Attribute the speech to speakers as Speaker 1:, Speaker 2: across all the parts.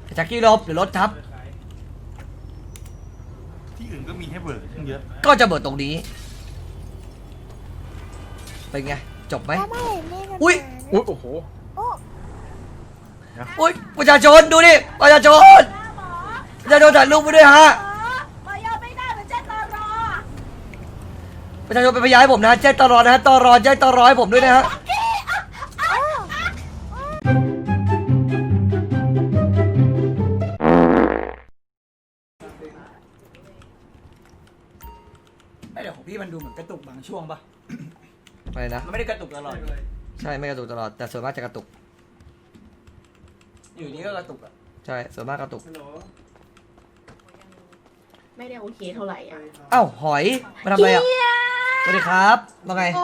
Speaker 1: แจ็คกี้ลบหรือรถทับ
Speaker 2: ที่อื่นก็มีให้เบิกเยอะ
Speaker 1: ก็จะเบิดตรงนี้เป็นไงจบไหมอุ้ย
Speaker 2: โอ้โห
Speaker 1: อุ้ยประชาชนดูดิประชาชนถ่ายรูปไปด้วยฮะประชาชนเป็นพยานให้ผมนะแจ้งตลอดนะฮะตลอดแจ้งตลอดให้ผมด้วยนะฮะ
Speaker 3: ไม่เดี๋ยวของพี่มันดูเหมือนกระตุกบางช่วงปะ
Speaker 1: อะไรนะ
Speaker 3: มันไม่ได้กระตุกตลอด
Speaker 1: ใช่ไม่กระตุกตลอดแต่ส่วนมากจะกระตุก
Speaker 3: อยู่นี้ก็กระตุกอ่ะ
Speaker 1: ใช่ส่วนมากกระตุก
Speaker 4: ไม่ได้โอเคเท่าไหร่อ่ะ
Speaker 1: เอ้าหอยมาทำอะไรอ่ะสวัสดีครับว่าไง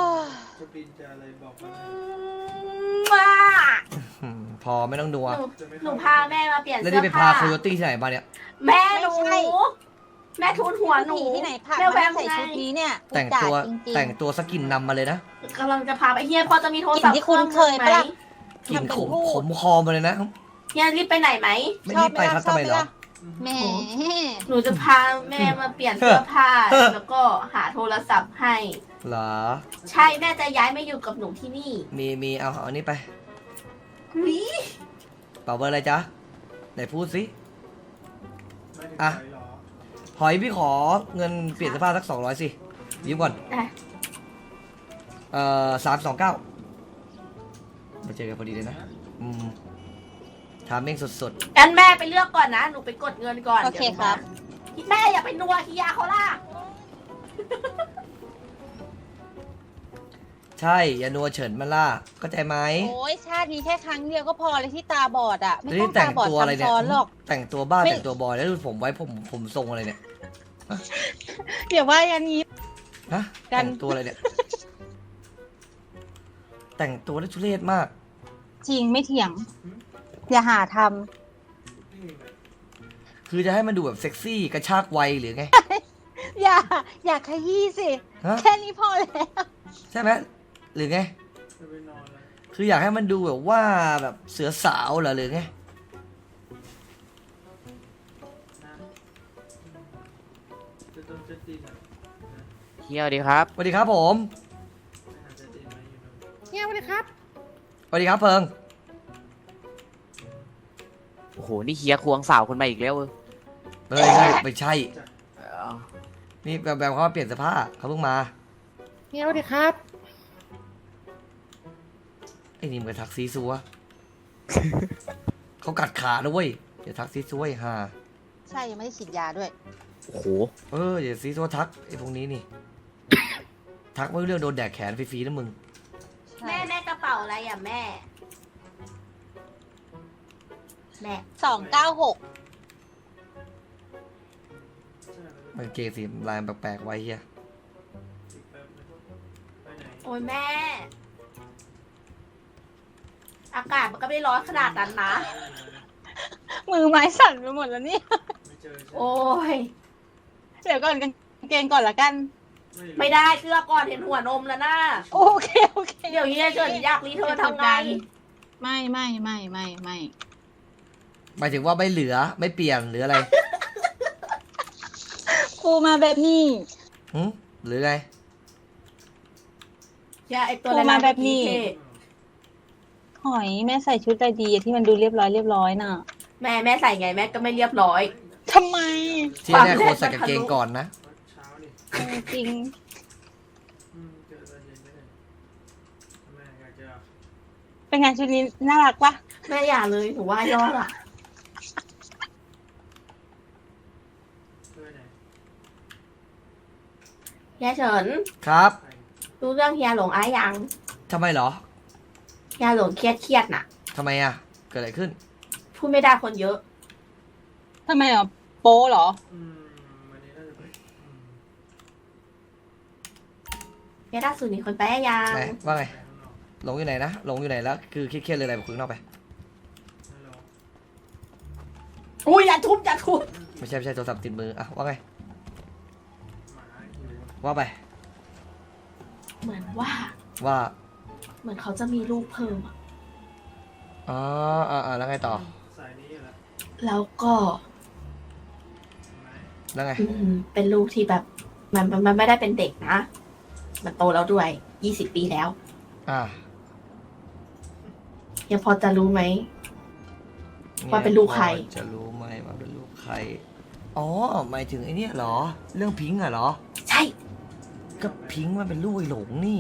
Speaker 4: ว้า
Speaker 1: พอไม่ต้องดูอ่ะ
Speaker 4: หนูพาแม่มาเปลี่ยน
Speaker 1: แล้ว
Speaker 4: เสื้
Speaker 1: นี่
Speaker 4: อ
Speaker 1: ไปพา
Speaker 4: ผ้า
Speaker 1: โคโยตี้ที่ไหนมาเนี่ย
Speaker 4: แม่หนู
Speaker 5: ไม่ใช่
Speaker 4: แม่ทุนหัวหนู
Speaker 5: ที่ไหนผ่าน
Speaker 4: แม่แว
Speaker 5: มาม ใส่
Speaker 4: ไง
Speaker 5: ชุดนี้เนี่ย
Speaker 1: แต่งตัว
Speaker 5: จริงๆ
Speaker 1: แต่งตัวสกินนำมาเลยนะ
Speaker 4: กำลังจะพาไปเฮียพอจะมีโทรศัพท์
Speaker 5: ที่คุณเคย
Speaker 4: ไหม
Speaker 5: ปะล่ะ
Speaker 1: กลิน
Speaker 5: ทำเป็น
Speaker 1: ขม
Speaker 5: พูด
Speaker 1: ขมคอมาเลยนะ
Speaker 4: เฮียรีบไปไหนไหม
Speaker 1: ไม่รีบไปครับทำไมเหรอ
Speaker 5: แหม
Speaker 4: หนูจะพาแม่มาเปลี่ยนเสื้อผ้า แล้วก็หาโทรศัพท์ให้
Speaker 1: เหรอ
Speaker 4: ใช่แม่จะย้ายมาอยู่กับหนูที่นี่
Speaker 1: มีเอาอันนี้ไป
Speaker 4: วิ
Speaker 1: เป่าเบอร์อะไรจ๊ะไหนพูดสิอ่ะหอยพี่ขอเงินเปลี่ยนเสื้อผ้าสัก200สิยืมก่อน
Speaker 4: อ่ะ
Speaker 1: 329มาเจอกันพอดีเลยนะถามเองสด
Speaker 4: งั้นแม่ไปเลือกก่อนนะหนูไปกดเงินก่อน
Speaker 5: โอเคครับ
Speaker 4: ดี๋ยวแม่อย่าไปนัวคิยาเขาล่ะ
Speaker 1: ๆใช่อย่านัวเฉินมาล่าเข้าใจไหม
Speaker 5: โอ้ยชาตินี้แค่ครั้งเดียวก็พอเลยที่ตาบอดอ่ะ ไม่
Speaker 1: แล้ว
Speaker 5: ต้อ
Speaker 1: นี่
Speaker 5: ง
Speaker 1: แต่
Speaker 5: ตาง บอด
Speaker 1: ตัวอะไร
Speaker 5: ซ้ำ
Speaker 1: เนี่ย
Speaker 5: ซ้อนหรอก
Speaker 1: แต่งตัวบ้า
Speaker 5: ไม่
Speaker 1: แต่งตัวบอยแล้วดูผมไว้ผมทรงอะไรเนี่ย
Speaker 5: เดี๋ยวว่ายันนี้
Speaker 1: ฮะ
Speaker 5: กัน
Speaker 1: แต่งตัวอะไรเนี่ย แต่งตัวได้ทุเรศมาก
Speaker 5: จริงไม่เถียง อย่าหาท
Speaker 1: คือจะให้มันดูแบบเซ็กซี่กระชากวัยหรือไง
Speaker 5: ำอย่าขยี้สิ
Speaker 1: ฮะ
Speaker 5: แค่นี้พอแล้ว
Speaker 1: ใช่ไหมหรือไง คืออยากให้มันดูแบบว่าแบบเสือสาวเหรอหรือไง
Speaker 6: เฮียสวัสดีครับ
Speaker 1: สวัสดีครับผม
Speaker 5: เฮียสวัสดีครับ
Speaker 1: สวัสดีครับเพิง
Speaker 6: โอ้โห นี่เฮียควงสาวคนใหม่อีกแล้วเออ
Speaker 1: เฮ้ยไม่ใช่ นี่แบบเขามาเปลี่ยนเสื้อผ้าเขาเพิ่งมา
Speaker 5: เฮียสวัสดีครับ
Speaker 1: ไอ้นี่มันทักซีซัว เขากัดขาด้วยเวยอย่าทักซีซัวไอ้ห่า
Speaker 5: ใช่ ยังไม่ได้ฉีดยาด้วย
Speaker 6: โอ้โห
Speaker 1: อย่าซีซัวทักไอ้พวกนี้นี่ ทักไม่รู้เรื่องโดนแดกแขนฟรีๆนะมึง
Speaker 5: ใช่
Speaker 4: แม่กระเป๋าอะไรอ่ะแม่ แม่
Speaker 5: 296
Speaker 1: มันเกย์สีลายแปลกๆไว้เฮีย
Speaker 4: โอ้ยแม่ อากาศมันก็ไม่ได้ร้อนขนาดนั้นนะ
Speaker 5: มือไม้สั่นไปหมดแล้วเนี่ย
Speaker 4: โอ้ย
Speaker 5: เดี๋ยวก่อนกางเกงก่อนละกัน
Speaker 4: ไม่ได้เสื้อก่อนเห็นหัวนมแล้วนะ
Speaker 5: โอเค
Speaker 4: เดี๋ยวเฮียเฉินอยากรีเทิร์นทำไง
Speaker 5: ไม่
Speaker 1: หมายถึงว่าไม่เหลือไม่เปลี่ยนหรืออะไร
Speaker 5: ครูมาแบบนี้
Speaker 1: หรือไง
Speaker 4: อย่าไอตัว
Speaker 5: โทรมาแบบนี้ หอยแม่ใส่ชุดอะไรดีอะที่มันดูเรียบร้อยน่ะ
Speaker 4: แม่ใส่ไงแม่ก็ไม่เรียบร้อย
Speaker 5: ทำไม
Speaker 1: ที่แน่ควรใส่กางเกงก่อนนะ
Speaker 5: จริง เป็นไงชุดนี้น่ารักปะ
Speaker 4: แม่อย่าเลยหนูว่ายอดอ่ะเฮียเฉิน
Speaker 1: ครับ
Speaker 4: รู้เรื่องเฮียหลงอ้ายยัง
Speaker 1: ทำไมเหรอ
Speaker 4: เฮียหลงเครียดน่ะ
Speaker 1: ทำไมอ่ะเกิดอะไรขึ้น
Speaker 4: พูดไม่ได้คนเยอะ
Speaker 5: ทำไมอ่ะโป้เหรอ
Speaker 4: เฮียล่าสุดนี่คนไปยัง
Speaker 1: ไหนว่าไงหลงอยู่ไหนนะหลงอยู่ไหนแล้วคือเครียดๆเลยอะไรบอกคุยข้างนอกไป
Speaker 4: อุ้ยอย่าทุบ
Speaker 1: ไม่ใช่โทรศัพท์ติดมืออ่ะว่าไงว่าไป
Speaker 4: เหมือนว่า
Speaker 1: ว่า
Speaker 4: เหมือนเขาจะมีลูกเพิ่มอะ
Speaker 1: อ๋อแล้วไงต่อ
Speaker 4: แล้วก็
Speaker 1: แล้วไง
Speaker 4: เป็นลูกที่แบบมันไม่ได้เป็นเด็กนะ มันโตแล้วด้วย20 ปีแล้ว
Speaker 1: อ่า
Speaker 4: ยังพอจะรู้ไหม ว่าเป็นลูกใคร
Speaker 1: จะรู้ไหมว่าเป็นลูกใคร อ๋อ หมายถึงไอ้เนี่ยเหรอ เรื่องพิงค์อะเหรอ
Speaker 4: ใช่
Speaker 1: ก็พิงค์มันเป็นลูกไอ้หลงนี่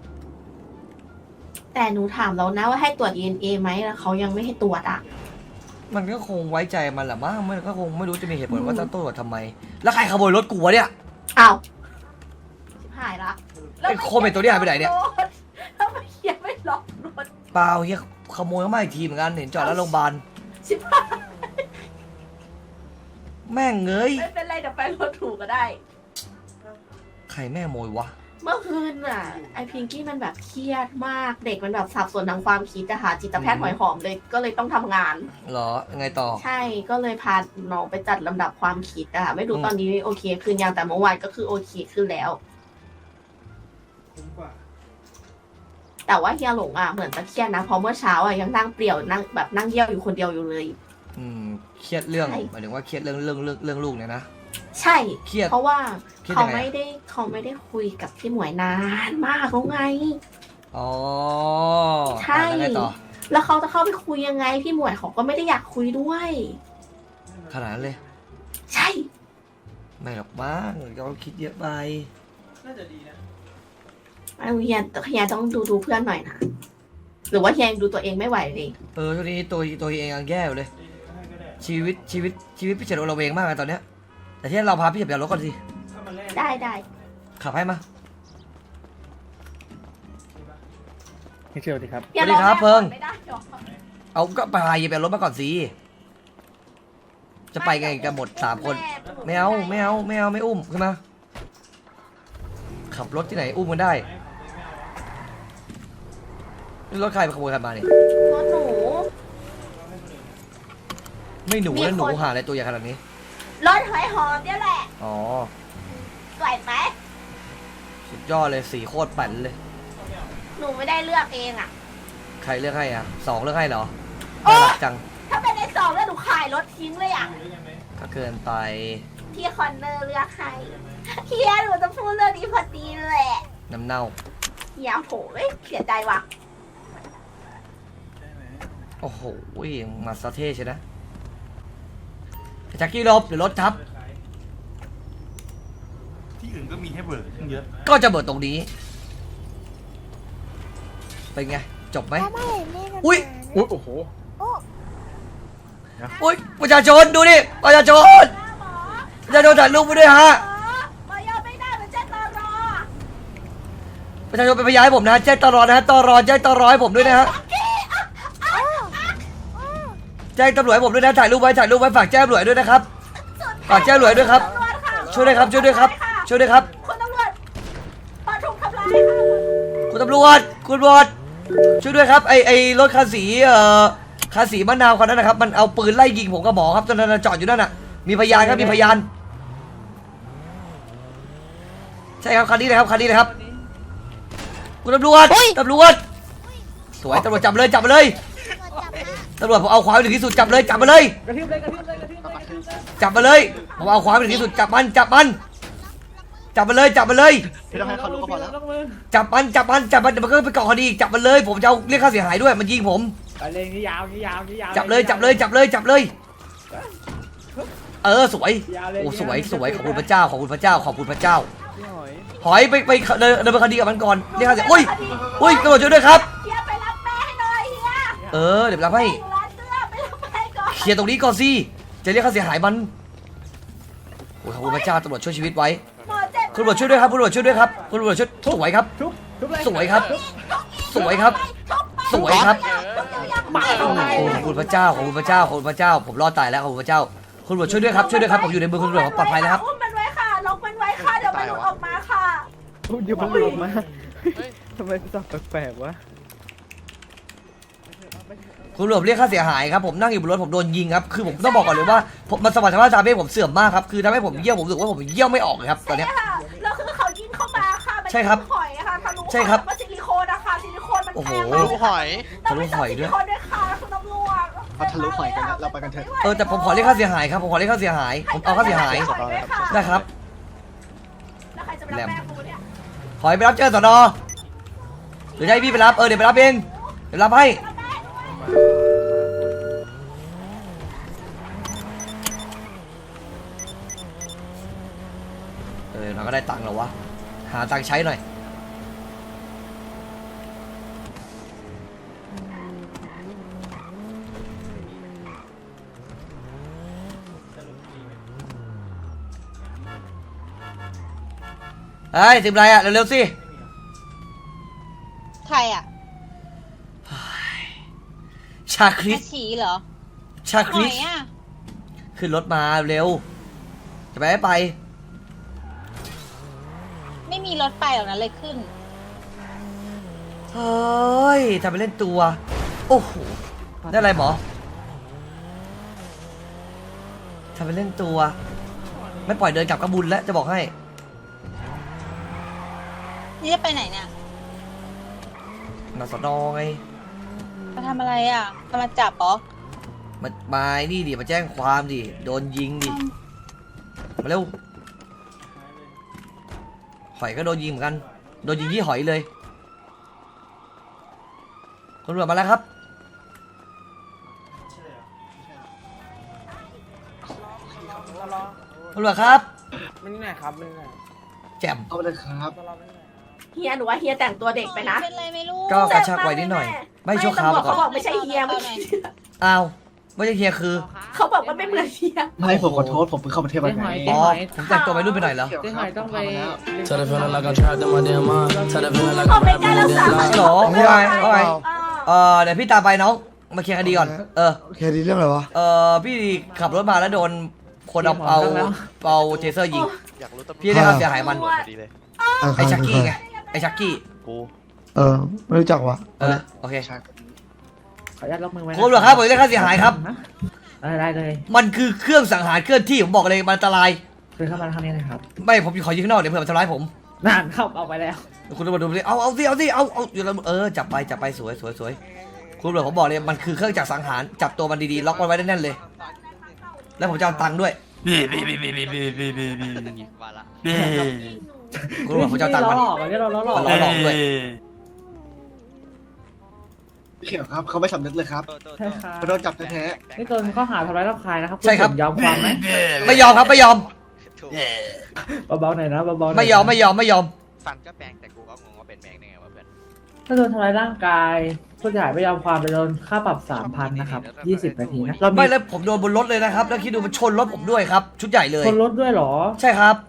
Speaker 4: แต่หนูถามแล้วนะว่าให้ตรวจ DNA ไหมแล้วเขายังไม่ให้ตรวจอ่ะ
Speaker 1: มันก็คงไว้ใจมันแหละมั้งมันก็คงไม่รู้จะมีเหตุผลว่าจะตรวจทำไม แล้วใครขโมยรถกูวะเนี่ย
Speaker 4: อ้าวชิบหายละ
Speaker 1: ไอ้โคเมนตัวนี้หายไปไหนเนี่ย
Speaker 4: แล้วไม่เขียนไม่ล็อกรถ
Speaker 1: เปล่าเฮียขโมยเข้ามาอีกทีเหมือนกันเห็นจอดแล้วโรงพยาบาล
Speaker 4: ชิบหาย
Speaker 1: แม่งเงย
Speaker 4: ไม่เป็นไรเดี๋ยวไปรถถูกก็ได้
Speaker 1: ใครแม่งขโมยวะ
Speaker 4: เมื่อคืนน่ะ ไอพิงกี้มันแบบเครียดมาก เด็กมันแบบสับสนทางความคิดอะค่ะจิตแพทย์หอยหอมเลยก็เลยต้องทำงาน
Speaker 1: เหรอไงต่อ
Speaker 4: ใช่ก็เลยพาน้องไปจัดลำดับความคิดอะค่ะไม่รู้ตอนนี้โอเคขึ้นยังแต่เมื่อวานก็คือโอเคขึ้นแล้ว แต่ว่าเฮียหลงอะเหมือนจะเครียดนะเพราะเมื่อเช้าอะยังนั่งเปลี่ยวนั่งแบบนั่งเยี่ยวอยู่คนเดียวอยู่เลย
Speaker 1: เครียดเรื่อง
Speaker 4: ใช่
Speaker 1: หมายถึงว่าเครียดเรื่องลูกเนี่ยนะ
Speaker 4: ใช่
Speaker 1: เครียด
Speaker 4: เพราะว่า
Speaker 1: เครียด
Speaker 4: เขา
Speaker 1: ยังไง
Speaker 4: ไม่ได้คุยกับพี่หมวยนานมากแล้วไง
Speaker 1: อ๋อ
Speaker 4: ใช่
Speaker 1: แล้วไงต่อ
Speaker 4: แล้วเขาจะเข้าไปคุยยังไง พี่หมวยเขาก็ไม่ได้อยากคุยด้วย
Speaker 1: ขนาดนั้นเลย
Speaker 4: ใช่
Speaker 1: ไม่หรอกบ้างเราคิดเยอะไป
Speaker 4: ไอ้เฮียต้องดูเพื่อนหน่อยนะหรือว่าเฮียยังดูตัวเองไม่ไหวเลย
Speaker 1: ช่วงนี้ตัวเองยังแย่อยู่เลย ชีวิตพี่เฉลิมเราเวงมากเลยตอนเนี้ย แต่ที่เราพาพี่เฉลิมไปเอารถก่อนสิ
Speaker 4: ได้
Speaker 1: ขับให้มา
Speaker 2: ไม่เชื่อดีครับ
Speaker 4: อย่า
Speaker 1: สวัสดีครับ
Speaker 4: อแม่
Speaker 1: เพิ่ง
Speaker 4: ไม่ได้หรอก
Speaker 1: เอาก็พาเยไปเอารถมาก่อนสิ จะไปไงกันหมด3 คน ไม่เอาไม่อุ้มขึ้นมา ขับรถที่ไหนอุ้มกันได้นี่รถใครไปขโมยใครมาเนี่ย
Speaker 4: รถหนู
Speaker 1: ไม่หนู
Speaker 4: มี
Speaker 1: แล้วหนู
Speaker 4: คน
Speaker 1: หาอะไรตัวใหญ่ขนาดนี้
Speaker 4: รถหอยหอมเนี่ยแหละ
Speaker 1: อ๋อ
Speaker 4: สวยไหม
Speaker 1: สุดยอดเลยสีโคตรปั่นเลย
Speaker 4: หนูไม่ได้เลือกเองอะ
Speaker 1: ใครเลือกให้อ่ะ2เลือกให้เหรอ
Speaker 4: โอ๊
Speaker 1: น่าย รักจัง
Speaker 4: ถ้าเป็นใน2แล้วหนูขายรถทิ้งเลยอะ
Speaker 1: ก็เกินไป
Speaker 4: พี่คอนเนอร์เลือกให้เฮียหนูจะพูดเรื่องนี้พอดีแหละ
Speaker 1: น้ำเน่า
Speaker 4: เฮียโหเสียใจว่ะ
Speaker 1: โอ้โหมาสเท่ใช่นะแจ็คกี้หลบเดี๋ยวรถทับ
Speaker 2: ที่อื่นก็มีให้เบิกตั้งเยอะ
Speaker 1: ก็จะเบิดตรงนี้ เป็นไง จบไหม อุ้ย
Speaker 2: อุ้ยโอ้โห
Speaker 1: อุ้ยประชาชนดูดิประชาชนประชาชนถ่ายรูปไปด้วยฮะ
Speaker 4: มายอมไม่ได้เหมือนเจ้าตอรอ
Speaker 1: ประชาชนเป็นพยานให้ผมนะแจ้งตรอนะฮะตรอแจ้งตรอให้ผมด้วยนะฮะแจ้งตำรวจให้ผมด้วยนะถ่ายรูปไว้ฝากแจ้งตำรวจด้วยนะครับฝากแจ้งตำรวจด้วยครับช่วยด้วยครับช่วยด้วยครับช่วยด้วยครับ
Speaker 4: คุณตำรวจพอถูกทำร้ายค่ะ
Speaker 1: คุณตำรวจช่วยด้วยครับไอรถคันสีคันสีมะนาวคันนั้นนะครับมันเอาปืนไล่ยิงผมกับหมอครับตอนนั้นจอดอยู่นั่นน่ะมีพยานครับมีพยานใช่ครับคันนี้เลยครับคุณตำรวจสวยตำรวจจับเลยตำรวจผมเอาความถึงที่สุดจับเลยมาเลยจับมาเลยผมเอาความถึงที่สุดจับมันมาเลย
Speaker 3: พี่ต้องให้เขารู้ก็พอแล้ว
Speaker 1: จับมันเดี๋ยวมันก็ไปก่อคดีอีกจับมันเลยผมจะเอาเรียกค่าเสียหายด้วยมันยิงผม
Speaker 7: ไปเลยนี่ยาว
Speaker 1: จับเลยสวยโอ้สวยขอบคุณพระเจ้าหอยไปเดินไปคดีกับมันก่อนเรียกค่าเสียอุ้ยตำรวจช่วยด้วยครับ
Speaker 4: เฮียไปรับแม่ให้หน่อยเฮีย
Speaker 1: เดี๋ยวรับให้
Speaker 4: อยู่ร้านเสื้อไปรับแม่ก่อน
Speaker 1: เคลียร์ตรงนี้ก่อนสิจะเรียกค่าเสียหายมันโอ้ขอบคุณพระเจ้าตำรวจช่วยชีวิตไว้
Speaker 4: หมอเจ็บ
Speaker 1: คุณตำรวจช่วยด้วยครับช่วยสวยครับ
Speaker 7: ทุบเลย
Speaker 1: สวยครับโอ้ขอบคุณพระเจ้าผมรอดตายแล้วขอบคุณพระเจ้าคุณตำรวจช่วยด้วยครับผมอยู่ในมือคุณตำรวจผมปลอดภัยแล้วครับ
Speaker 4: อุ้มมันไว้ค่ะล็อกมันไว้ค่ะเดี๋ยวมันหลุดออกมาค่ะ
Speaker 7: เดี๋ยวมันหลุดออกมาทำไมสับแปลกๆวะ
Speaker 1: คุณตำรวจเรียกค่าเสียหายครับผมนั่งอยู่บนรถผมโดนยิงครับคือผมต้องบอกก่อนเลยว่าผมมันสมรรถภาพทางเพศผมเสื่อมมากครับคือทำให้ผมเยี่ยวผมรู้สึกว่าผมเยี่ยวไม่ออกเลยครับตอนเนี้ย
Speaker 4: ใช่ค่ะแล้วคือเขายิงเข้ามาค่ะมัน
Speaker 1: ใช่ครับ
Speaker 4: หอยอะค่ะทะลุ
Speaker 1: ใช่ครับ
Speaker 4: มันซิลิโคนนะคะซิลิโคนมัน
Speaker 1: โอ้โห
Speaker 4: แพงมาก
Speaker 3: รู้หอย
Speaker 4: ต้องไป
Speaker 1: ทะลุหอยด้วย
Speaker 4: ซิลิโคนด้วยค่ะคุณตำรวจ
Speaker 8: เขาทะลุหอยกันแล้วเราไปกันเถอะ
Speaker 1: แต่ผมขอเรียกค่าเสียหายครับผมขอเรียกค่าเสียหายผมเอาค่าเสียหายได้ครับ
Speaker 4: แล้วใครจะไปรับแม่กูเนี่ย
Speaker 1: ขอให้ไปรับเจอสนหรือจะให้พี่ไปรับเดี๋ยวไปรับเองเดี๋ยวรับให้เราก็ได้ตังค์แล้ววะหาตังค์ใช้หน่อยเฮ้ยสิบไรเร็วๆสิ
Speaker 5: ใครอ่ะ
Speaker 1: ชาคริ
Speaker 5: อา
Speaker 1: ส
Speaker 5: ชีเหรอ
Speaker 1: ชาค
Speaker 5: ห
Speaker 1: ริ
Speaker 5: อ
Speaker 1: ส
Speaker 5: ยอ่ะ
Speaker 1: ขึ้นรถมาเร็วจะไปไม่ไป
Speaker 5: ไม่มีรถไปหรอกนะเลยขึ้น
Speaker 1: เฮ้ยทำไปเล่นตัวโอ้โหได้อะไรหมอทำไปเล่นตัวไม่ปล่อยเดินกลับกระบุญแล้วจะบอกให้
Speaker 5: นี่จะไปไหนเนี่ย
Speaker 1: มาสนอไง
Speaker 5: มาทำอะไรอ่ะมาจับเหรอ
Speaker 1: มานี่ดิมาแจ้งความดิโดนยิงดิมาเร็วหอยก็โดนยิงเหมือนกันโดนยิงที่หอยเลยตำรวจมาแล้วครับตำรวจครับ
Speaker 7: ไม่นี่ไหนครับไม่นี่ไหน
Speaker 1: แจ่ม
Speaker 8: เอาเลยครับ
Speaker 4: เฮียหนูว่าเฮียแต่งตัวเด็กไปนะ
Speaker 5: เป็นไรไม่รู้
Speaker 1: ก็กระชากไว้นิดหน่อย ไม่ชั่วคราว
Speaker 4: ตำรวจ
Speaker 1: ก่อ
Speaker 4: เขา
Speaker 1: น
Speaker 4: บอกไม่ใช่เฮียเมื่อกี้
Speaker 1: อ้าวไม่ใช่เฮียคือ
Speaker 4: เขาบอกว่าไม่เหมือนเฮีย
Speaker 8: ไม่ผมขอโทษผมเพิ่งเข้าประเทศมาไง
Speaker 1: อ๋อผมแต่งตัวไปรุ่นไปหน่อยเหรอ
Speaker 8: เจ๊หอยต้องไป
Speaker 4: เขาไม่กล้ารักษา
Speaker 1: หรอว่าไงว่าไงเดี๋ยวพี่ตามไปน้องมาเคลียร์คดีก่อน
Speaker 9: โอเคดีเรื่องอะไรวะ
Speaker 1: พี่ขับรถมาแล้วโดนคนเอาเทเซอร์ยิงพี่ได้ค่าเสียหายมันไอ้ชักกี้ไงไอ้ชักกี้
Speaker 9: ไม่รู้จักวะ
Speaker 1: โอเค
Speaker 7: ขออนุญาตล็อกมือไว้
Speaker 1: คุณตำรวจครับผมได้ค่าเสียหายครับ
Speaker 7: ได้เลย
Speaker 1: มันคือเครื่องสังหารเคลื่อนที่ผมบอกเลยมันอันตราย
Speaker 7: คือเข้ามาทางนี้นะครับ
Speaker 1: ไม่ผมขอยิงข้างนอกเดี๋ยวเผื่อมันทำร้ายผม
Speaker 7: นั่นเข้าเอาไปแล้ว
Speaker 1: คุณตำรวจดูสิเอาอยู่แล้วจับไปสวยคุณตำรวจผมบอกเลยมันคือเครื่องจักรสังหารจับตัวมันดีๆล็อกมันไว้แน่นๆเลย แล้วผมจะเอาตังค์ด้วยคุณตำรวจผมจะเอาตังค์มัน
Speaker 7: หลอกอันนี้เราหลอก
Speaker 1: มันหลอกด้วย
Speaker 8: เขียวครับเขาไม่สำนึกเลยครับ
Speaker 7: ใช่ครับ
Speaker 8: เขาโดนจับแท้
Speaker 7: นี่โดนข้อหาทำร้ายร่างกายนะครับ
Speaker 1: ใช่ครับ
Speaker 7: ยอมความไหม
Speaker 1: ไม่ยอมครับไม่ยอม
Speaker 7: เบาๆหน่อยนะเบาๆหน่อย
Speaker 1: ไม่ยอม
Speaker 6: ฟันก็แปลงแต่กูก็งงว่าเป็นแมงได้ไงวะเพื่อน
Speaker 7: ถ้าโดนทำร้ายร่างกายผู้เสียหายไม่ยอมความไปโดนค่าปรับ 3,000 นะครับ 20 นาทีนะเรามี
Speaker 1: ไม่แล้วผมโดนบนรถเลยนะครับแล้วคิดดูมันชนรถผมด้วยครับชุดใหญ่เลย
Speaker 7: คนรถด้วยเหรอ
Speaker 1: ใช่ครับ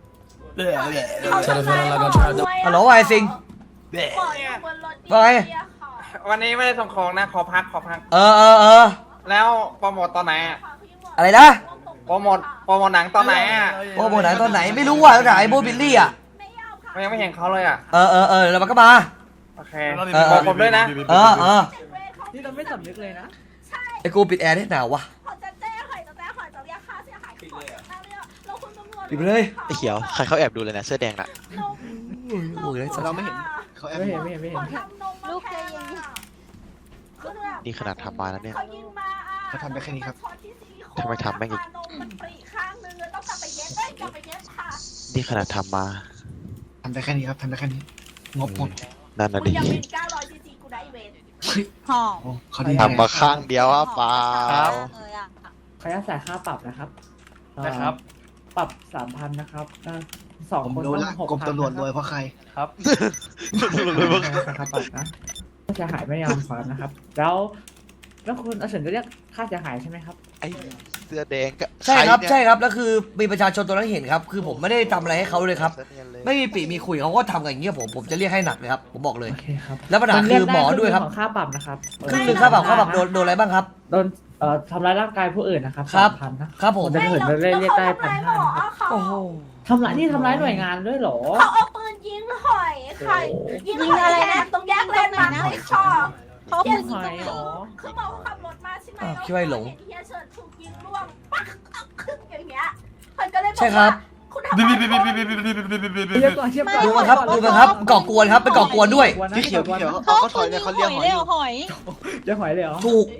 Speaker 1: ฮัลโหลไอซิงว่าไง
Speaker 10: วันนี้ไม่ได้ส่งของนะขอพัก
Speaker 1: เออ
Speaker 10: แล้วโปรโมทตอนไหนอะ
Speaker 1: อะไรนะ
Speaker 10: โปรโมทหนังตอนไหนอะ
Speaker 1: โอ้โหไหนตอนไหนไม่รู้ว่าไหนโบบิลลี่อ่ะ
Speaker 10: มันยังไม่เห็นเขาเลยอะ
Speaker 1: เออแล้วมันก็มา
Speaker 10: โอเคบอกผมด้วยนะ
Speaker 1: เออ
Speaker 7: นี่เราไม่สำนึกเลยนะ
Speaker 1: ไอ้กูปิดแอร์ได้หนาววะ
Speaker 4: จะแจ้งหอยจะเรียกค่าเสียหายทั้งหมดเราคุณตำรวจ
Speaker 1: ปิดไปเลย
Speaker 6: ไอ้เขียวใครเขาแอบดูเลยนะเสื้อแดงน่ะ
Speaker 1: โอ้ยได้
Speaker 8: ๆ
Speaker 1: สัต
Speaker 8: เรา
Speaker 1: ว์
Speaker 8: ไม่เห็นเขาแอบ
Speaker 7: ไม่เห็น
Speaker 5: ลูกใจเย็น
Speaker 6: นี่ขนาดทำมาแล้วเนี่ย
Speaker 8: เขาทำได้แค่นี้ครับ
Speaker 6: ทำไมทำแม่งอีก
Speaker 4: มันปรีข้างนึงต้องกลับไปเย็บค่ะ
Speaker 6: นี่ขนาดทำมา
Speaker 8: ทำได้แค่นี้ครับทำได้แค่นี้งบหมด
Speaker 6: นั่นน่ะ
Speaker 4: คุณ
Speaker 6: ดิ
Speaker 4: ยังเป็น900 cc กูได้เวน
Speaker 5: หอม
Speaker 8: โอ้เขาดี
Speaker 6: ทำมาข้างเดียวอ่ะเปล่า
Speaker 5: เลยอ่ะ
Speaker 7: ขออนุญาตจ่ายค่าปรับนะครับ
Speaker 10: นะครับ
Speaker 7: ปรับ 3,000 นะครับสอง
Speaker 8: ผม
Speaker 7: คน
Speaker 8: รู้ละ
Speaker 7: ต้อง
Speaker 8: กรม
Speaker 7: 6,000
Speaker 8: ตำรวจรวยเพราะใคร
Speaker 10: ครับ
Speaker 7: ค่าปรับนะค่าเสียหายไม่ยอมความนะครับ แล้วคุณอาเฉินจะเรียกค่าเสียหายใช่ไหมครับ
Speaker 6: ไอ้เสื้อแดงก็
Speaker 1: ใช่ครับ
Speaker 6: เนี่ย
Speaker 1: ใช่ครับแล้วคือมีประชาชนตัวนั้นเห็นครับคือผมไม่ได้ทำอะไรให้เขาเลยครับ
Speaker 6: สื้อนียนเลย
Speaker 1: ไม่มีปีมีคุยเขาก็ทำกันอย่างเงี้ยผมจะเรียกให้หนักเลยครับผมบอกเลย
Speaker 7: โอเคครับ
Speaker 1: แล้วปัญหาคือหมอด้วยครับ
Speaker 7: ของค่าปรับนะครับ
Speaker 1: ครึ่งหนึ่งค่าปรับโดนอะไรบ้างครับ
Speaker 7: โดนทำร้ายร่างกายผู้อื่นนะครับ
Speaker 1: ครับ
Speaker 7: 3,000 นะครับ
Speaker 1: ผม
Speaker 7: จะเหินเรียกได้ 1,500 นะครับ
Speaker 1: โอ้โห
Speaker 7: ทำร้ายหน่วยงานด้วยเหรอ
Speaker 4: เขาเอาปืนยิงหอยค่ะยิงอะไรนะตรงแยกเลนมาไม่ชอบ
Speaker 5: เขา
Speaker 7: ยิ
Speaker 5: พู
Speaker 7: ง
Speaker 5: ด
Speaker 7: หอยเหรอ
Speaker 4: คือบอกขับรถมาใช่ไหม
Speaker 1: คิดว่าหลง
Speaker 4: เฮียเฉินถูกยิงร่วงปักอย่างเงี้ยมันก็เลยบอก
Speaker 1: ใช่ครับ
Speaker 4: คุณทำอะไร
Speaker 7: เทียบก่อนเทียบก่อน
Speaker 1: ดูมันครับก่อกวนครับเป็นก่อกวนด้วย
Speaker 8: พี่เขียวเขาถอยเนี่ยเขาเรียกหอยอยู่
Speaker 5: หอย
Speaker 7: จะหอยเลยเหรอ
Speaker 1: ถูก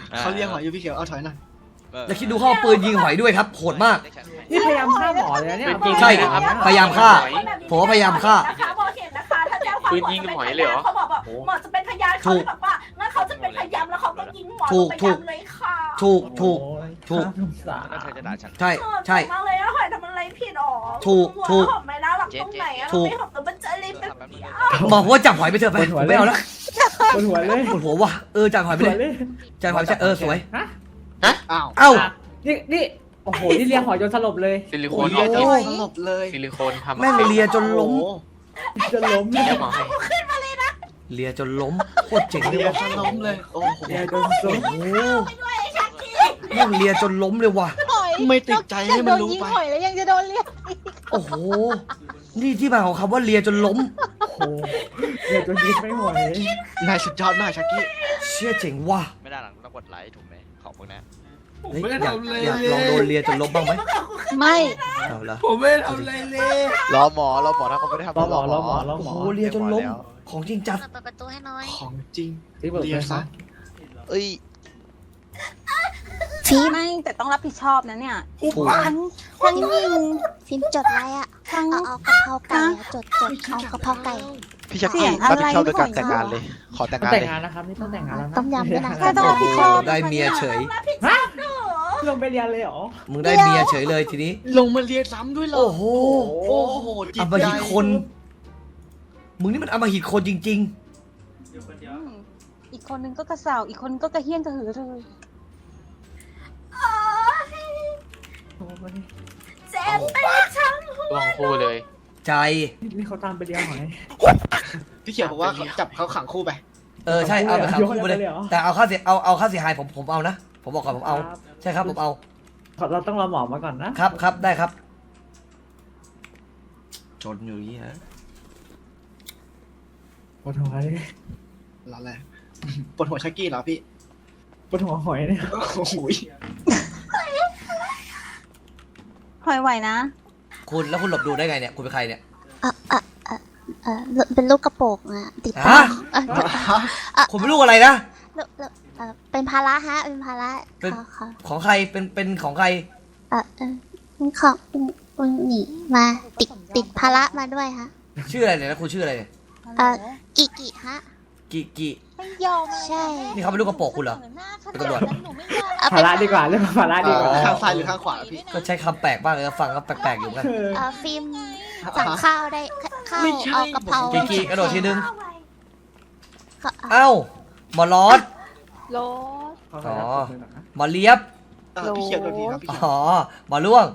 Speaker 8: เขาเรียกหอยอยู่พี่เขียวเอาถอยหน่อย
Speaker 1: แล้วคิดดูเขาเอาปืนยิงหอยด้วยครับโหดมาก
Speaker 7: นี่พยายามฆ่าหมอเลยนะเนี่ย
Speaker 1: ใช่พยายามฆ่า ผมว่าพยายามฆ่า
Speaker 4: นะคะบอกเห็นนะคะถ้าแจ้งความ
Speaker 10: ปืนยิงกับหอยเลยเหรอ
Speaker 4: เขาบอกว่าหมอจะเป็นพยานเขาเลยแบบว่างั้นเขาจะเป็นพยานแล้วเขาก็ยิงหมอ
Speaker 1: ถูก
Speaker 4: เป็นพยานเลยค่ะ
Speaker 1: ถูก
Speaker 7: โอ้ย
Speaker 1: ถูก
Speaker 7: น่าสงสาร
Speaker 6: เธอจะด่าฉัน
Speaker 1: ใช่ใช่
Speaker 4: มากเลยอะหอยทำอะไรผิดหรอ
Speaker 1: ถูก
Speaker 4: หอไม่น่ารักตรงไหนอะ
Speaker 1: ถูก
Speaker 4: ไม่หอมตัวมันจะรีบเป็น
Speaker 1: บอกว่าจับหอยไปเถอะไปผมไม่เอาแล้ว
Speaker 7: ปวดหัวเลย
Speaker 1: ปวดหัวว่ะจับหอยไป
Speaker 7: ปวด
Speaker 1: เล
Speaker 7: เลย ย
Speaker 1: จับหอยไปสวย
Speaker 7: ฮะ
Speaker 8: อ้าว
Speaker 1: เอ้า
Speaker 7: นี่โอ้โหนี่เลี้ยงหอยจนสลบเลย
Speaker 10: ซิลิโค
Speaker 8: โอ้
Speaker 10: น
Speaker 8: ยเรียก
Speaker 1: โอ้
Speaker 8: สลบเลย
Speaker 10: ซิลิโคนทำ
Speaker 1: แม่งเลียจนล้ม
Speaker 8: โอ้โห
Speaker 7: จนล้มเลย
Speaker 10: เรียกหมอให้
Speaker 1: เลียจนล้มโคตรเจ๋งเลย
Speaker 8: เรียก
Speaker 1: ว่ะ
Speaker 8: สลบเลยโอ้โห
Speaker 7: เลี้ยงจนล้ม
Speaker 1: โอ้โหแม่งเลียจนล้มเลยว่ะ
Speaker 8: ไม่ติดใจให้มันรู้ไป
Speaker 5: หอยแล้วยังจะโดนเรียก
Speaker 1: โอ้โหนี่ที่มาของคำว่าเลียจนล้ม
Speaker 7: โอ้โหเลี้ยงจนยิ้มไม่ไหวน
Speaker 8: ายสุดยอดมากชักกี้
Speaker 1: เชี่ยเจ๋งว่ะ
Speaker 6: ไม่ได้หลังต้องกดไลค์ถูกไหมของพวกนั้น
Speaker 1: เฮ้ยอยากลองโดนเลียจนล้มบ้างไหม
Speaker 5: ไม่
Speaker 1: เอาละ
Speaker 3: ผมไม่ได้ทำอะไรเลย
Speaker 6: รอหมอถ้าเขาไม่ได้ทำ
Speaker 7: รอหมอ
Speaker 1: โอ้โหเลียจนล้มของจริงจัด
Speaker 4: เปิดประตูให้น้อย
Speaker 8: ของจริง
Speaker 7: ที่บอก
Speaker 8: เรี
Speaker 7: เลย ย
Speaker 8: ซะ
Speaker 7: ซะ
Speaker 6: เอ้ย
Speaker 5: ฟีไม่แต่ต้องรับผิดชอบนะเนี่ย
Speaker 1: ถูก
Speaker 5: ทั้งยิง
Speaker 4: ฟิล์มจดไว้อะ
Speaker 5: ทั้ง
Speaker 4: เอากะเพราไก่อะจดเอากะเพราไก่
Speaker 6: พี่ชัก
Speaker 5: เสี
Speaker 6: กี้
Speaker 5: ยงอะไร
Speaker 6: รับผิดชอบด้วยการ
Speaker 5: หอย
Speaker 6: แต่งงานเลย ขอแต่ง
Speaker 7: ต้อง
Speaker 6: งาน
Speaker 7: แต่ง
Speaker 6: เลย
Speaker 7: งานนะครับนี่ต้องแต่งงานแล้วนะ
Speaker 4: ต้มยำด้วยนะ
Speaker 5: ใช่ต้องรับผิดชอบ
Speaker 1: ได้เมียเฉย
Speaker 7: ฮะลงไปเรียนเลยเหรอ
Speaker 1: มึงได้เมียเฉยเลยทีนี้
Speaker 8: ลงมาเรียนซ้ำด้วยเหรอ
Speaker 1: โอ้โห
Speaker 8: โอ้โหจิ
Speaker 1: อ
Speaker 8: ต
Speaker 1: ำม
Speaker 8: ใจ
Speaker 1: หิตคน มึงนี่มันอำมหิตคนจริง
Speaker 5: อีกคนนึงก็กระเสาอีกคนก็กระเฮี้ยนกระหือเลย
Speaker 7: โอ้ย
Speaker 4: เจ็บไปทั้ง
Speaker 10: ลองคู่เลย
Speaker 1: ๆ ใจ
Speaker 7: นี่เขาตามไปเลี้ยงหอย
Speaker 8: พี่เขียวบอกว่าเขาจับเขาขังคู่ไป
Speaker 1: ใช่เอาไปขังคู่ไปเลย
Speaker 7: ยกให้เลยเหรอ
Speaker 1: แต่เอาค่าเสียเอาค่าเสียหายผมเอานะ ผมบอกก่อนผมเอา
Speaker 7: ครับ
Speaker 1: ใช่ครับผมเอา
Speaker 7: เราต้องรอหมอมาก่อนนะครับ
Speaker 1: ครับได้ครับ จนอยู่อย่างนี้ฮะ
Speaker 7: ปวดหัวเลย
Speaker 8: แล้วแหละปวดหัวชักกี้เหรอพี่
Speaker 7: ปวดหัวหอยเนี่ย
Speaker 8: โอ้โห
Speaker 5: หอยไหวนะ
Speaker 1: คุณแล้วคุณหลบดูได้ไงเนี่ยคุณเป็นใครเนี่ย
Speaker 4: เป็นลูกกระโปรงอะติด
Speaker 1: ฮะ คุณเป็นลูกอะไรนะ
Speaker 4: เป็นภาระฮะเป็นภาระ
Speaker 1: เป็น
Speaker 4: ค่ะ
Speaker 1: ของใครเป็นของใคร
Speaker 4: ของหนีมาติดภาระมาด้วยฮะ
Speaker 1: ชื่ออะไรเนี่ยนะคุณชื่ออะไรเนี่ย
Speaker 4: กิฮะ
Speaker 1: กิ
Speaker 5: ไม่ยอม
Speaker 4: ใช่
Speaker 1: นี่เขาเป็นลูกกระโปรงคุณเหรอ เป็นตำรวจ
Speaker 5: หนูไม่ยอม
Speaker 7: ภาระดีกว่าเรื่องภาระดีกว่า
Speaker 8: ข้างซ้ายหรือข้างขวาพี่
Speaker 1: ก็ใช้คำแปลกบ้างเลยนะฟังก็แปลกๆอยู่เหมือนกัน
Speaker 4: ฟิล์มสั่งข้าวได้ข้าว
Speaker 8: ไม่ใช่
Speaker 4: เอากะเพรา
Speaker 1: กิกระโดดทีนึง เอ้าหมอลอส
Speaker 5: โล
Speaker 1: อ๋อ หมอเลียบ
Speaker 8: พี่เขียวโดนทีครับพี่เขียว
Speaker 1: อ๋อหมอล่วง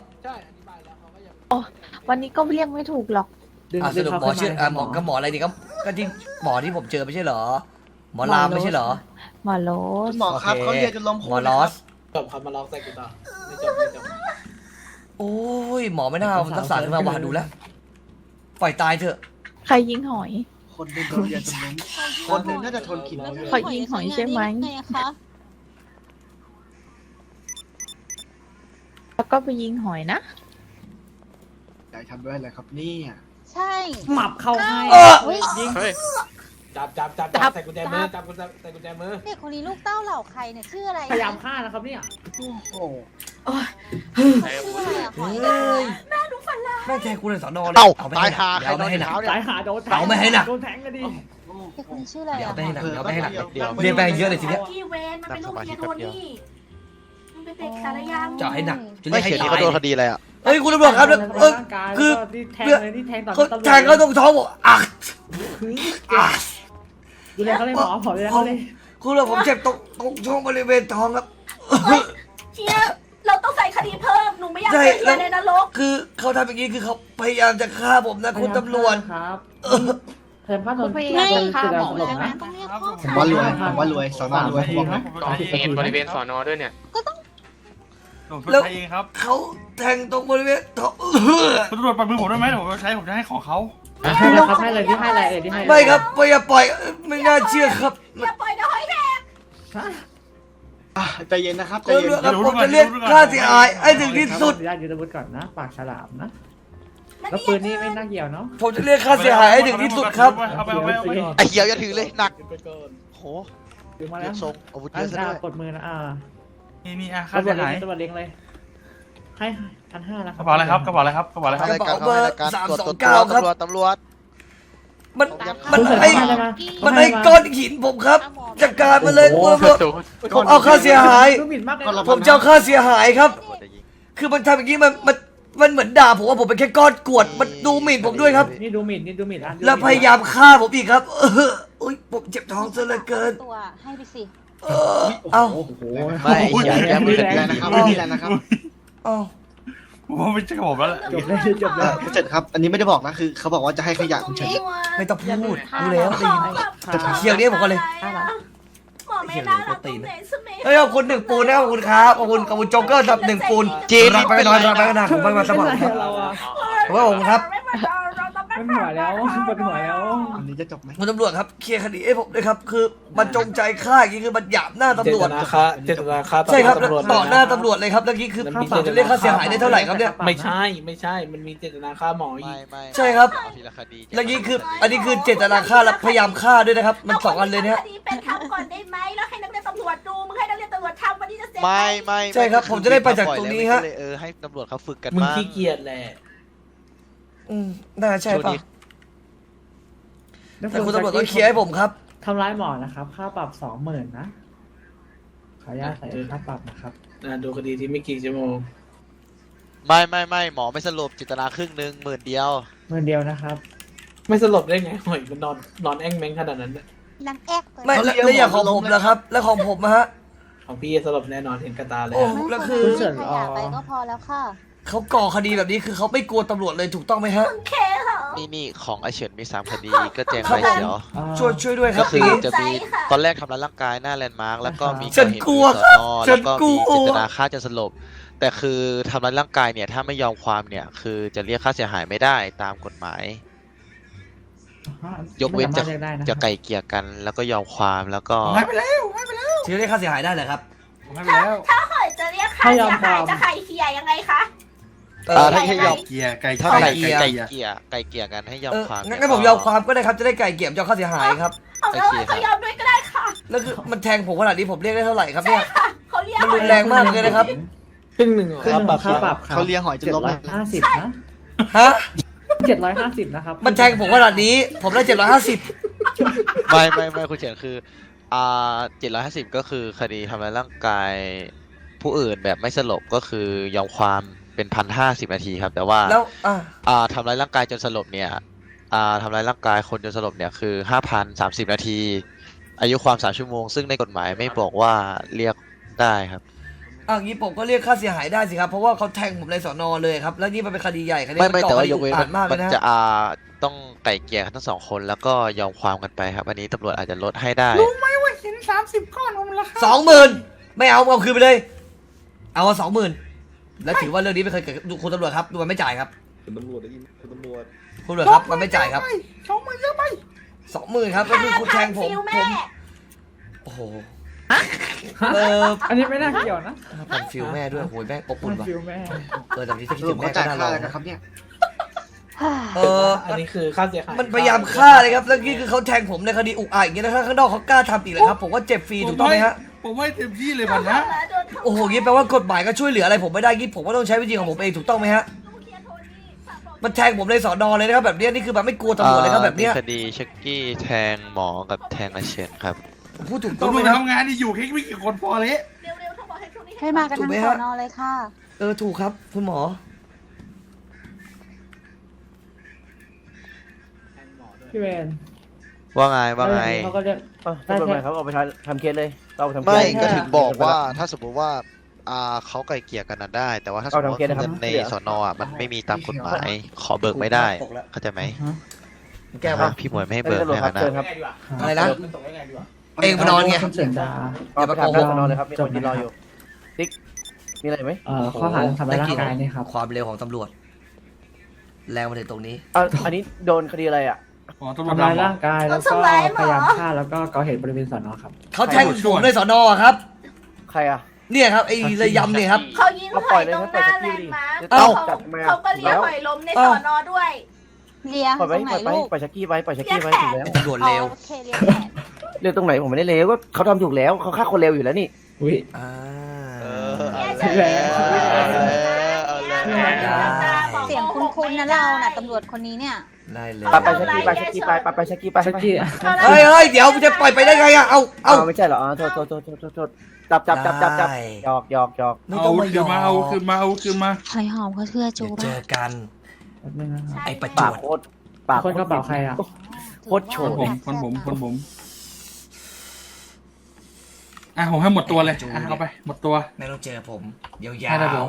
Speaker 5: วันนี้ก็เรียกไม่ถูกหรอก
Speaker 1: สรุปหมอชื่อหมอก็หมออะไรนี่ก็ที่หมอที่ผมเจอไม่ใช่เหรอ หมอรามไม่ใช่เหรอ
Speaker 5: หมอโล
Speaker 8: คุณหมอครับเขาเรียนจนล้ม
Speaker 1: หม
Speaker 8: คู่
Speaker 1: อ
Speaker 8: เลย
Speaker 1: ลอ
Speaker 8: ครับ
Speaker 1: ส
Speaker 3: จบครับมาลองใส่กูต่อไม่จบไม่จบ
Speaker 1: โอ้ยหมอไม่น่าเอาทักษะขึ้นมาว่าดูแล้ว ปล่อยตายเถอะ
Speaker 5: ใครยิงหอย
Speaker 8: คนหนึงโดนเรียนจนล้มคนหนึงน่าจะทนกินไม่ไหว
Speaker 5: เขายิงหอยใช่ไหม แล้วก็ไปยิงหอยนะ
Speaker 8: อยากทำด้วยอะไรครับเนี่ย
Speaker 5: ใช่
Speaker 7: หมับเข้าให้
Speaker 10: ยิงเฮ้ย
Speaker 3: จับใส่กุญแจมือจับใส่กุญแจมือ
Speaker 5: เด็กคนนี้ลูกเต้าเหล่าใครเนี่ยชื่ออะไร
Speaker 7: พยายามฆ่านะครับเนี่ย
Speaker 8: โอ้โห
Speaker 10: ใครเอาพูด
Speaker 5: หอย
Speaker 1: เฮ้ยแม่งแทงกูเลยสอนอเลย
Speaker 6: เอ้า
Speaker 1: เอาไป
Speaker 6: ตายหาใคร
Speaker 1: เอา
Speaker 6: โด
Speaker 1: ไป
Speaker 6: น
Speaker 1: ให้หนัก
Speaker 6: เท้าเนี่ย
Speaker 7: สายหาโดนแทง
Speaker 1: เอาไม่ให้หนัก
Speaker 7: โดนแทงกันดิ
Speaker 5: เด็กคนนี้ชื่ออะไร
Speaker 1: เดี๋ยว
Speaker 5: อ่ะ
Speaker 1: เอาไปให้หนักเดี๋ยวเอาไปให้หนัก
Speaker 8: เดี๋ยว
Speaker 1: เรียนไปเยอะเลยทีเนี้ย
Speaker 4: พี่เวนมันเป็นลูกเมียโทนี่มันเป็นเด็กสารยาม
Speaker 1: เจาะให้หนักจะเรี
Speaker 6: ไม่
Speaker 1: ยกให้
Speaker 6: เขียวนี่
Speaker 1: ตาย
Speaker 6: เขาโดนคดีอะไรอ่ะ
Speaker 1: เฮ้ยคุณตำรวจครับแล้ว
Speaker 7: ร่างกาย
Speaker 1: คือ
Speaker 7: แล้วก็ที่แทงเลยที่แทงต่อ
Speaker 1: เขา
Speaker 7: ตำรวจ
Speaker 1: แทงเขาตรงท้องบอกอ่ะอ่ะ
Speaker 7: ดูแลเขาเลยหมอขอดูแลเขาเลย
Speaker 1: คุณตำรวจผมเจ็บตรงช่วงบริเวณท้องครับ
Speaker 4: เชียเราต้องใส่คดีเพิ่มหนูไม่อยาก
Speaker 1: ใช่
Speaker 4: เป็น
Speaker 1: แล้ว
Speaker 4: ในนรก
Speaker 1: คือเขาทำอย่างนี้คือเขาพยายามจะฆ่าผมนะคุณตำรวจ
Speaker 7: ครับพยายามฆ่าโดน
Speaker 5: พยายามจะฆ่าหมอ
Speaker 7: หล
Speaker 5: ใช่
Speaker 7: บ
Speaker 5: ไหม
Speaker 7: นะ
Speaker 4: ต้องเรียกพ่อ
Speaker 8: ผมว่ารวยผมว่ารวยสอนอรวยบอกเลย
Speaker 10: ก่อเหตุบริเวณสอนอด้วยเนี่ย
Speaker 2: ผมชดใช้เองครับ
Speaker 1: เขาแทงตรงบริเวณท้อง
Speaker 2: คุณตำรวจปล่อยมือผมได้ไหมเดี๋ยวผมจะใช้ผมจะให้ของเขา
Speaker 7: ให้เลยครับให้เลยที่ให้อะไรเอ่ยที่ให้
Speaker 1: ไม่ครับอย่าปล่อยไม่น่าเชื่อครับ
Speaker 4: อย่าปล่อยนะหอยแดง
Speaker 8: ใจเย็นนะครับใจ
Speaker 1: คุณ
Speaker 8: เย็น
Speaker 1: ตำรวจครับผมจะเรียกค่าเสียหายให้ถึงที่สุด
Speaker 7: ญาติยึดอาวุธก่อนนะปากฉลามนะแล้วปืนนี่ไม่น่าเกี่ยวเนาะ
Speaker 1: ผมจะเรียกค่าเสียหายให้ถึงที่สุดครับ
Speaker 2: เอาไป
Speaker 7: โอเค
Speaker 6: ไอ้เขียวอย่าถือเลยหนัก
Speaker 3: ไปก่อน
Speaker 6: โห
Speaker 7: ถึงมา
Speaker 6: เรี
Speaker 7: แล้
Speaker 6: ยว กทรงอาวุธเยอะซะด้วย
Speaker 7: กดมือนะ
Speaker 2: นี่อ่ะค่า
Speaker 7: ตำรว
Speaker 2: เสี
Speaker 7: จ
Speaker 2: ย
Speaker 7: เล็
Speaker 2: หาย
Speaker 7: งตำรวจเล็งเลย ให้1,500แล้วค
Speaker 2: ก
Speaker 7: รับ
Speaker 2: ระเป๋าอะไรครับกระเป๋าอะไรครับกระเป๋าอะไรครับ
Speaker 6: อะไรกันเขาให้รายการตรวจ
Speaker 1: 329ครับ
Speaker 6: ตำรวจ
Speaker 1: มัน
Speaker 7: คุ
Speaker 1: มัน
Speaker 7: ณเสร็จ
Speaker 1: ไอ้
Speaker 7: ได้ไหม
Speaker 1: มันไอ้ก้อนหินผมครับจัดการมาเลย
Speaker 10: โอ้
Speaker 1: ผม
Speaker 10: โห
Speaker 1: ผมเอาค่าเสียหาย
Speaker 7: ดูหมิ่นมากเลย
Speaker 1: ผมจะเอาค่าเสียหายครับ
Speaker 6: ตำรวจจะยิง
Speaker 1: คือมันทำอย่างนี้มันเหมือนด่าผมว่าผมเป็นแค่ก้อนกรวดมันดูหมิ่นผมด้วยครับ
Speaker 7: นี่ดูหมิ่นนี่ดูหมิ่นอ่ะ
Speaker 1: แล้วพยายามฆ่าผมอีกครับอุ้ยผมเจ็บท้องซะเหลือเกิน
Speaker 5: ตัวให้ไปสิ
Speaker 1: เอ้า
Speaker 7: โอ้โห
Speaker 6: ไม่อย่าแก้มือ
Speaker 8: ไม่
Speaker 6: แร
Speaker 8: ได้
Speaker 6: ง
Speaker 8: นะครับ
Speaker 6: นะ
Speaker 8: ไม่ได้นะครับ
Speaker 1: เอ้า
Speaker 2: ผมว่าไม่ใช่กับผมแล้วแหละ
Speaker 7: จบเลยจบเลย
Speaker 8: คุณเสร็จครับ อันนี้ไม่ได้บอกนะคือเขาบอกว่าจะให้ขยะคุณเฉย
Speaker 1: ไม่ต้องพูดรู้แล้วได้ยินเคียวนี้ผมก็เลย
Speaker 4: หมอไม่น่ารักตรงไหนสมัย
Speaker 1: เฮ้ยขอบคุณ1 ปูนนะครับขอบคุณครับขอบคุณโจ๊กเกอร์ครับ1 ปูน
Speaker 6: จีน
Speaker 1: รับไปนอนรับไปนอนผมไปมาสมัครครับ
Speaker 7: เราอะ
Speaker 1: ผมว่าผมครับ
Speaker 7: มันหัวแล้วปวดหัวแล้ว
Speaker 8: อันนี้จะจบไหม
Speaker 1: คุณตำรวจครับเคลียร์คดีให้ผมด้วยครับคือมันจงใจฆ่าอย่างนี้คือมันหยาบหน้าตำรวจ
Speaker 3: เจตนาฆ่า
Speaker 1: ใช่ครับ
Speaker 3: ตำรวจ
Speaker 1: ต่อหน้าตำรวจเลยครับแล้วนี้คือผมจะเรียกค่าเสียหายได้เท่าไหร่ครับเนี่ย
Speaker 3: ไม่ใช่มันมีเจตนาฆ่าหมออี
Speaker 6: ไม่
Speaker 3: ก
Speaker 6: ไม่
Speaker 1: ใช่ครับ
Speaker 6: เอาทีละคดี
Speaker 1: แล้วนี้คืออันนี้คือเจตนาฆ่าและพยายามฆ่าด้วยนะครับมัน2 อันเลยนะฮะ
Speaker 4: คดีเป็นทำก่อนได้ไหมแล้วให้นักเรียนตำรวจดูมึงให้นักเรียนตำรวจทำวันนี้จะเสร็จ
Speaker 6: ไม่
Speaker 1: ใช่ครับผมจะได้ไปจากตรงนี้ฮะ
Speaker 6: ให้ตำรวจเขาฝึกกัน
Speaker 3: มึง
Speaker 6: บ้าง
Speaker 3: ขี้เกียจแหละ
Speaker 1: น่าใช่
Speaker 6: ช่วง
Speaker 1: ป่ะ
Speaker 6: นี้
Speaker 1: แต่คุณตำรวจต้องเคลียร์ให้ผมครับ
Speaker 7: ทำร้ายหมอนะครับค่าปรับ 20,000นะขออนุญาตใส่ค่าปรับนะครับ
Speaker 3: ดูคดีที่ไม่กี่ชั่วโมง
Speaker 6: ไม่หมอไม่สรุปจิตนาครึ่งหนึ่ง10,000เดียว
Speaker 7: 10,000เดียวนะครับ
Speaker 3: ไม่สลบได้ไงหอยมันนอนแอ่งแมงขนาดนั้นน่ะ
Speaker 5: นังแอก
Speaker 1: ไม่แล้วอย่างของผมนะครับ แล้วของผมนะฮะ
Speaker 3: ของพี่สลบแน่นอนเห็นกระตาเลย
Speaker 1: โอ้แล้วคือ
Speaker 7: คุณเฉิน
Speaker 5: ขยะไปก็พอแล้วค่ะ
Speaker 1: เขาก่อคดีแบบนี้คือเขาไม่กลัวตำรวจเลยถูกต้องไหมฮะ
Speaker 4: เคเหรอ
Speaker 6: นี่ของไอเฉินมี3 คดีก็แจ้ง
Speaker 1: ครับ
Speaker 6: ไป
Speaker 1: ผม
Speaker 6: เดี๋ยว
Speaker 1: ช่วยด้วยค
Speaker 6: ก็
Speaker 1: รับ
Speaker 6: คือ
Speaker 1: พี่
Speaker 6: จะมีตอนแรกทำร้ายร่างกายหน้าแลนด์มาร์กแล้วก็มี
Speaker 1: ฉันกลัว
Speaker 6: ก่อเหตุ
Speaker 1: ฉั
Speaker 6: ที่
Speaker 1: น
Speaker 6: สอน
Speaker 1: กลั
Speaker 6: แล้ว
Speaker 1: ว
Speaker 6: ก็มีเจตนาฆ่าจนสลบ แต่คือทำร้ายร่างกายเนี่ยถ้าไม่ยอมความเนี่ยคือจะเรียกค่าเสียหายไม่ได้ตามกฎหมาย ยกเว้นจะไกลเกลี่ยกันแล้วก็ยอมความแล้วก็
Speaker 2: ให้ไปแล้ว
Speaker 1: ถือเรียกค่าเสียหายได้เหรอครับ
Speaker 2: ผมให้ไปแล้ว
Speaker 4: ถ้าหอยจะเรียกค่าเสียหายจะไข่เคียยังไงคะ
Speaker 6: ถ้าให้ยอม
Speaker 2: เกียร์ไก่
Speaker 6: ถ้า
Speaker 2: ไก่
Speaker 6: ไกล
Speaker 2: เกียร์
Speaker 6: เกลี่ยกันให้ยอมความ
Speaker 1: งั้นผมยอมความก็ได้ครับจะได้ไกลเกลี่ยยอมค่าเสียหายครับ
Speaker 4: เอาแล้วก็ยอมด้วยก็ได้ค่ะ
Speaker 1: แล้วคือมันแทงผมขนาดนี้ผมเรียกได้เท่าไหร่ครับเนี่ย
Speaker 4: ค่ะเขาเรียก
Speaker 1: มันรุนแรงมากเลยนะครับ
Speaker 3: ครึ่งหนึ่ง
Speaker 7: ค่าปรับ
Speaker 8: เขาเลี้ยงหอยจนล้มเลย
Speaker 7: 750นะ
Speaker 1: ฮะ
Speaker 7: 750นะครับ
Speaker 1: มันแทงผมขนาดนี้ ผมได้750
Speaker 6: ไม่คุณเฉินคือ750ก็คือคดีทำร้ายร่างกายผู้อื่นแบบไม่สลบก็คือยอมความเป็น1,050 นาทีครับแต่ว่า
Speaker 1: แล้ว
Speaker 6: ทำร้ายร่างกายจนสลบเนี่ยทำร้ายร่างกายคนจนสลบเนี่ยคือ 5,030 นาที อายุความ3 ชั่วโมงซึ่งในกฎหมายไม่บอกว่าเรียกได้ครับ
Speaker 1: งี้ผมก็เรียกค่าเสียหายได้สิครับเพราะว่าเขาแทงผมในสอนอเลยครับแล้วนี่มันเป็นคดีใหญ่คดี
Speaker 6: ไม่แต่ว่ายกเว้น
Speaker 1: อ่านมากเล
Speaker 6: มั
Speaker 1: ย
Speaker 6: น
Speaker 1: นะ
Speaker 6: จะต้องไก่เกลี่ยกันทั้ง2 คนแล้วก็ยอมความกันไปครับอันนี้ตำรวจอาจจะลดให้ได้
Speaker 1: 20,000ไม่เอาคืนไปเลย เอา20,000แล้วถือว่าเรื่องนี้ไม่เคยเกิดดูคุณตำรวจครับดูมันไม่จ่ายครับ
Speaker 3: คุณตำรวจได้ยินคุณตำรวจ
Speaker 1: คุณตำรวจครับมันไม่จ่ายครับ20,000ครับก็คือคุณแทงผมโอ้โห
Speaker 7: อันนี้ไม่น่าเกี่ยวนะ
Speaker 1: ผมฟิลแม่ด้วยโหยแม่อบอุ่นว่ะ
Speaker 7: ฟิลแม่
Speaker 1: แต่ที่คิด
Speaker 8: สรุ
Speaker 1: ถึ
Speaker 8: ป
Speaker 1: ง
Speaker 8: เขา
Speaker 1: แม่ก็
Speaker 8: จ่าย
Speaker 1: น่า
Speaker 8: ค่า
Speaker 1: ลอง
Speaker 8: อะไรนะครับเนี่ย
Speaker 3: อันนี้คือค่าเสียหาย
Speaker 1: มันพยายามฆ่าเลยครับแล้วนี่คือเขาแทงผมในคดีอุกอาจอย่างเงี้ยนะถ้าข้างนอกเขากล้าทำอีกเลยครับผมว่าเจ็บฟรีถูกต้องไหมฮะ
Speaker 2: ผมให้เต็มที่เลยมันนะ
Speaker 1: โอ้โหงี้แปลว่ากฎหมายก็ช่วยเหลืออะไรผมไม่ได้งี้ผมก็ต้องใช้วิธีของผมเองถูกต้องไหมฮะมันแทงผมในสอนอเลยนะครับแบบเนี้ยนี่คือแบบไม่กลัวตำรวจเลยครับแบบเนี้ย
Speaker 6: มีคดีเช็กกี้แทงหมอกับแทงอาเชนครับ
Speaker 1: ผมพูดถูกต้อง
Speaker 2: ตำร
Speaker 1: ไหม
Speaker 2: วจ
Speaker 1: ครับ
Speaker 2: ทำงานนี่อยู่แค่ไม่กี่คนพอเลย
Speaker 4: เร็วๆถ้าบอกให้ช่วงนี้
Speaker 5: ให้มากันทั้งสอนอเลยค่ะ
Speaker 1: ถูกครับคุณหมอ
Speaker 7: พี่เวน
Speaker 6: ว่าไง
Speaker 7: เขาก็เรียก
Speaker 3: ได้ไหมครับเอาไปทำเคสเลยเราทำเคส
Speaker 6: ไม่ก็ถึงบอกว่าถ้าสมมติว่าเขาไกลเกลี่ยกันนั้นได้ แต่ว่าถ้าสมมติว่าเงินในสอนมันไม่มีตามกฎหมายขอเบิกไม่ได้เข้าใจไหม
Speaker 1: แก้วครับ
Speaker 6: พี่หมวยไม่ให้เบิกนะ
Speaker 1: อะไรนะเองมานอนไง
Speaker 7: คุณเฉินดา
Speaker 1: อย่ามาโกหก
Speaker 3: นอนเลยครับมีคนยืนรออยู่ติ๊กมีอะไรไหม
Speaker 7: ข้อหาทำร้ายร่างกายนี่ครับ
Speaker 1: ความเร็วของตำรวจแรงมาถึงตรงนี้
Speaker 3: อันนี้โดนคดีอะไรอ่ะ
Speaker 2: อ๋อตำรวจ
Speaker 7: ทำร้าย
Speaker 2: ดำเหรอ
Speaker 7: ร่างกายแล้วก็พยายามฆ่าแล้วก็ก่อเหตุบริเวณสอนอครับ
Speaker 1: เขาแทงผมในสอนอครับ
Speaker 3: ใครอ่ะ
Speaker 1: เนี่ยครับไอ้ระยำเนี่ยครับ
Speaker 4: เขายิงหอยตรงหน้าแลนด์มาร์ค
Speaker 1: เอ้า
Speaker 4: เขาก็เรียกหอยล้มในสอนอด้วย
Speaker 5: เลียตรงไหนลูก
Speaker 3: ปล่อยชักกี้ไว้ถึงแล้ว
Speaker 1: ตำรวจเร็ว
Speaker 5: โอเคเลียแขน
Speaker 3: เร็วตรงไหนผมไม่ได้เร็วก็เขาทำถูกแล้วเขาฆ่าคนเร็วอยู่แล้วนี่
Speaker 7: อุ้ย
Speaker 1: อ่า
Speaker 5: เสียงคุ้นๆนะเราน่ะตำรวจคนนี้เนี่ย
Speaker 1: ได้เลย
Speaker 3: ไปชักกี้ไปชักกี้ไปชักกี้ไป
Speaker 7: ชักกี้
Speaker 1: เฮ้ยเดี๋ยวมันจะปล่อยไปได้ไงอะเอา
Speaker 3: ไม่ใช่เหรอโทษจับหยอก
Speaker 1: ไม่
Speaker 2: เอา
Speaker 1: ต้องมา
Speaker 2: คืนมาเอาคืนมาเอาคืนมา
Speaker 5: หอยหอมเขาเชื่อจู
Speaker 1: เดี๋ยวเจ
Speaker 5: ป่ะ
Speaker 1: อกัน
Speaker 7: แป๊บนึงนะครับ
Speaker 1: ไอ้ประจ
Speaker 3: ปาว ก
Speaker 1: บ
Speaker 3: โคตรปาก
Speaker 7: คนกระเป๋าใครอ่ะ
Speaker 3: โคตรโฉ
Speaker 2: คนผมอ่ะผมให้หมดตัวเลยอ่ะเอาไปหมดตัว
Speaker 1: ไม่ต้องเจอผมยาว
Speaker 2: ให้ได้ผม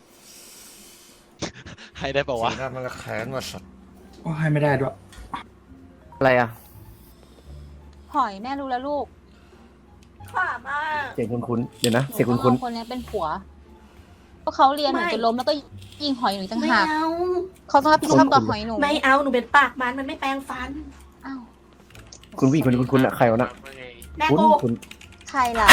Speaker 6: ให้ได้
Speaker 1: ๆ
Speaker 6: ป่าวะ
Speaker 1: สีหน้ามันก็แค้นมาสัตว์
Speaker 2: โอ้ให้ไม่ได้ด้วย
Speaker 3: อะไรอ่ะ
Speaker 5: หอยแม่รู้แล้วลูก
Speaker 4: ค่ะมาก
Speaker 3: เสียงคุ้นๆเดี๋ยวนะเสียง
Speaker 5: หนู
Speaker 3: คุ้น
Speaker 5: ว่าคนนี้เป็นผัวเพราะเขาเรียนหนูจนล้มแล้วก็ยิงหอยหนูต่าง
Speaker 4: ไม่
Speaker 5: หาก
Speaker 4: เอา
Speaker 5: เขาต้องรับผิดชอบกับหอยหนู
Speaker 4: ไม่เอาหนูเป็นปากมันไม่แปรงฟัน
Speaker 5: อ้าว
Speaker 3: ๆคุณผู้หญิงคนนี้คุ้นๆอ่ะใครวะน่ะ
Speaker 4: แม่
Speaker 3: คุ้น
Speaker 4: โก
Speaker 3: คุ้น
Speaker 5: ใครล่ะ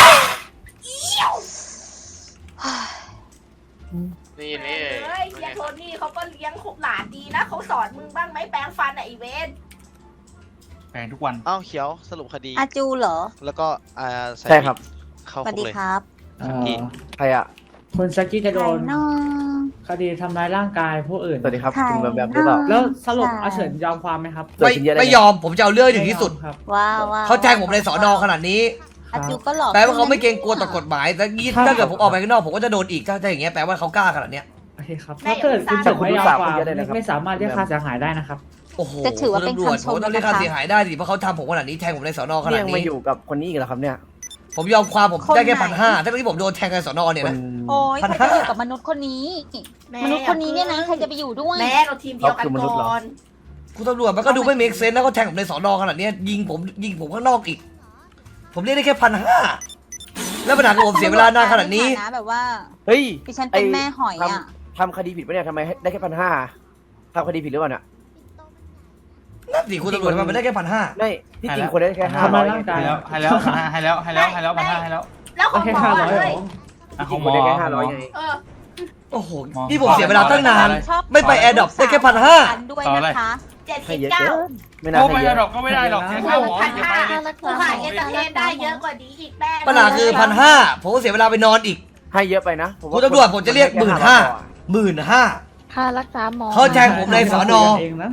Speaker 10: นี่นี่
Speaker 4: เฮ้ยเฮียโทนี่เขาก็เลี้ยงหลานดีนะเขาสอนมึงบ้างไหมแปรงฟันอะอีเวน
Speaker 2: แปลงทุกวัน
Speaker 6: อ้าวเขียวสรุปคดี
Speaker 5: อาจูเหรอ
Speaker 6: แล้วก็ใส่
Speaker 3: ใช่ครับ
Speaker 6: เข้า
Speaker 5: สวัส
Speaker 6: คุก
Speaker 5: ดี
Speaker 6: เลย
Speaker 5: ครับ
Speaker 3: ใครอ่ะ
Speaker 7: คนชักกี้จะ
Speaker 5: ใค
Speaker 7: โด
Speaker 5: ร
Speaker 7: น
Speaker 5: น้อง
Speaker 7: คดีทำร้ายร่างกายผู้อื่น
Speaker 3: สวัสดีครับคุณแบบหรือเปล่า
Speaker 7: แล้วสรุปอาเฉินยอมความไหมครับ
Speaker 3: เกิด
Speaker 1: ไม่
Speaker 3: ขึ้นเยอะเลย
Speaker 1: ไม่ยอมผมจะเอาเรื่องให้ถึงที่สุด
Speaker 7: ครับ
Speaker 5: ว้าวว้าว
Speaker 1: เขาแจ้งผมในสอนอขนาดนี้
Speaker 5: อาจูก็หลอก
Speaker 1: แปลว่าเขาไม่เกรงกลัวต่อกฎหมายแต่งี้ถ้าเกิดผมออกไปข้างนอกผมก็จะโดนอีกถ้าอย่างเงี้ยแปลว่าเขากล้าขนาดเนี้ย
Speaker 7: โอเคครับถ้าเกิดคุณเฉินไม่ยอมความไม่สามารถเรียกค่าเสียหายได้นะครับ
Speaker 1: โอ้โห
Speaker 5: จะถือว่าเป็น
Speaker 1: ตำรวจ
Speaker 5: คำช
Speaker 1: ผม
Speaker 5: ม
Speaker 1: ต้องเรียก
Speaker 5: นะ
Speaker 1: ค่า
Speaker 5: คะ
Speaker 1: เสียหายได้ดิเพราะเขาทำผมขนาดนี้แทงผมในสอนอข
Speaker 3: นี่
Speaker 1: นาด
Speaker 3: ยังมา
Speaker 1: นี้
Speaker 3: อยู่กับคนนี้อีกเหรอครับเนี่ย
Speaker 1: ผมยอมความผมได้แค่1,500ถ้าที่ผมโดนแทงในสอนอเนี่ย
Speaker 3: คน
Speaker 1: นะ
Speaker 5: โอ้ย
Speaker 1: พัน
Speaker 5: ใคร
Speaker 1: ห้า
Speaker 5: จะอยู่กับมนุษย์คนนี้ มนุษย์คนนี้เนี่ยนะใครจะไปอยู่ด้วย
Speaker 4: แม่เราทีมเดียวกันก่อน
Speaker 1: คุณตำรวจมันก็ดูไม่เมคเซนส์แล้วก็แทงผมในสอนอขนาดเนี้ยยิงผมข้างนอกอีก ผมเรียกได้แค่1,500แล้วปัญหาคือผมเสียเวลานานขนาดนี้
Speaker 5: ใฐแบบว่า
Speaker 3: เฮ้ย
Speaker 5: ดิฉันเป็นแม่หอยอ่ะ
Speaker 3: ทำคดีผิดปะเนี่ยทำไมได้แค่1,500ทำคดีผิดหรือเปล่าเนี่ย
Speaker 1: นั่นสิคุณตำรวจทำไมมันได้แค่1,500
Speaker 3: ไม่ที่จริงคนได้แค่
Speaker 7: ทำร้าย
Speaker 3: 500
Speaker 7: ร่างกาย
Speaker 2: ให้แล้วให้แล้ว1,500ให้แล้ว
Speaker 4: แล้วของ
Speaker 7: แค่
Speaker 4: หมอ
Speaker 7: 500เหร
Speaker 4: เล
Speaker 7: อย
Speaker 3: ที่จริงคนได้แค่500ไง
Speaker 4: เออ
Speaker 1: โอ้โหนี่ผมเสียเวลาตั้งนาน
Speaker 5: ชอบ
Speaker 1: ไม่ไปแอร์ดรอปได้แค่1,500
Speaker 5: ด้วยนะคะ
Speaker 3: ให้เยอะ
Speaker 4: 79
Speaker 3: เกินไม่น่า
Speaker 2: โอ้
Speaker 3: ให้
Speaker 2: ไม่
Speaker 3: เย
Speaker 2: ได้
Speaker 3: อะ
Speaker 2: หรอกก็ไม่ได้หรอกแค่ข้าวหมอจะไปเลย
Speaker 4: กูขายเอนเตอร์เทนได้เยอะกว่านี้อีกแม่
Speaker 1: ปัญหาคือ1,500ผมก็เสียเวลาไปนอนอีก
Speaker 3: ให้เยอะไปนะผมว่า
Speaker 1: คุณตำรวจผมจะเรียก15,000
Speaker 5: ค่ารักษาหมอ
Speaker 1: เขาแทงผมในสอนอ
Speaker 7: เองนะ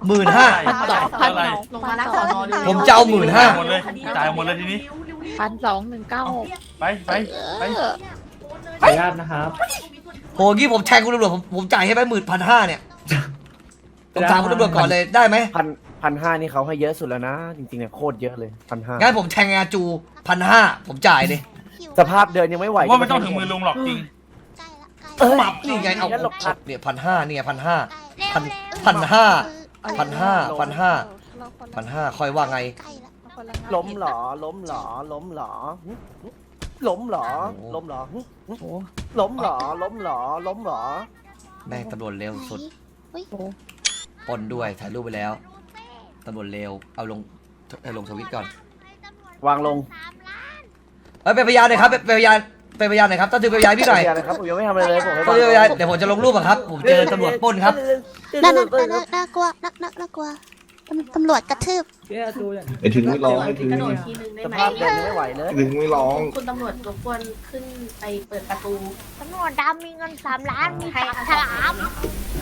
Speaker 1: 15,000
Speaker 4: ลงมาหน้าสอนอเลย
Speaker 1: ผมจะเอา15,000
Speaker 2: หมดเลยจ่ายหมดเลยทีนี้
Speaker 5: 1,219
Speaker 2: ไป
Speaker 7: ขออนุญาตนะครับ
Speaker 1: โหงี้ผมแทงคุณตำรวจผมจ่ายให้ไป15,000เนี่ยผมถามคุณตำรวจก่อนเลยได้ไหม
Speaker 3: 1,500นี่เขาให้เยอะสุดแล้วนะ จริงๆเนี่ยโคตรเยอะเลย1,500
Speaker 1: งั้นผมแทงอาจู1,500ผมจ่ายเลย
Speaker 3: สภาพเดินยังไม่ไหว
Speaker 2: ว่าไม่ต้องถึงมือลุงหรอกจริง
Speaker 1: ปรับนี่ไงเอา
Speaker 3: งั้นหลบ
Speaker 1: เนี่ย1,500เนี่ย1,500ค่อยว่าไง
Speaker 3: ล้มเหรอล้มเหรอล้มเหรอล้มเหรอล้มเหรอล้มเหรอล้มเหรอล้มเหรอ
Speaker 1: แม่งตำรวจเร็วสุดปล้นด้วยถ่ายรูปไปแล้วตำรวจเร็วเอาลงทวิตก่อน
Speaker 3: วางลง
Speaker 1: เป็นพยานหน่อยครับเป็นพยานหน่อยครับต้องถือเป็นพยานพี่หน่อย
Speaker 3: นะครับผมยังไม่ทำอะไรเลยผม
Speaker 1: ต้องถือเป็นพยานเดี๋ยวผมจะลงรูปอะครับผมเจอตำรวจปล้นครับ
Speaker 11: น่ากลัวน่ากลัวตำรวจกระทืบ
Speaker 7: เจ้าจูอย่าง
Speaker 8: ไอ้ถึงไม่ร้องไอ้ถึง
Speaker 4: กระโดดทีนึงได้
Speaker 3: ส
Speaker 4: ไหม
Speaker 3: ภาพเดินยังไม่ไหวเลย
Speaker 8: ถึงไม่ร้อง
Speaker 4: คุณตำรวจรบกวนขึ้นไปเปิดประตู
Speaker 11: ตำรวจดำมีเงิน3 ล้านมีฉลาม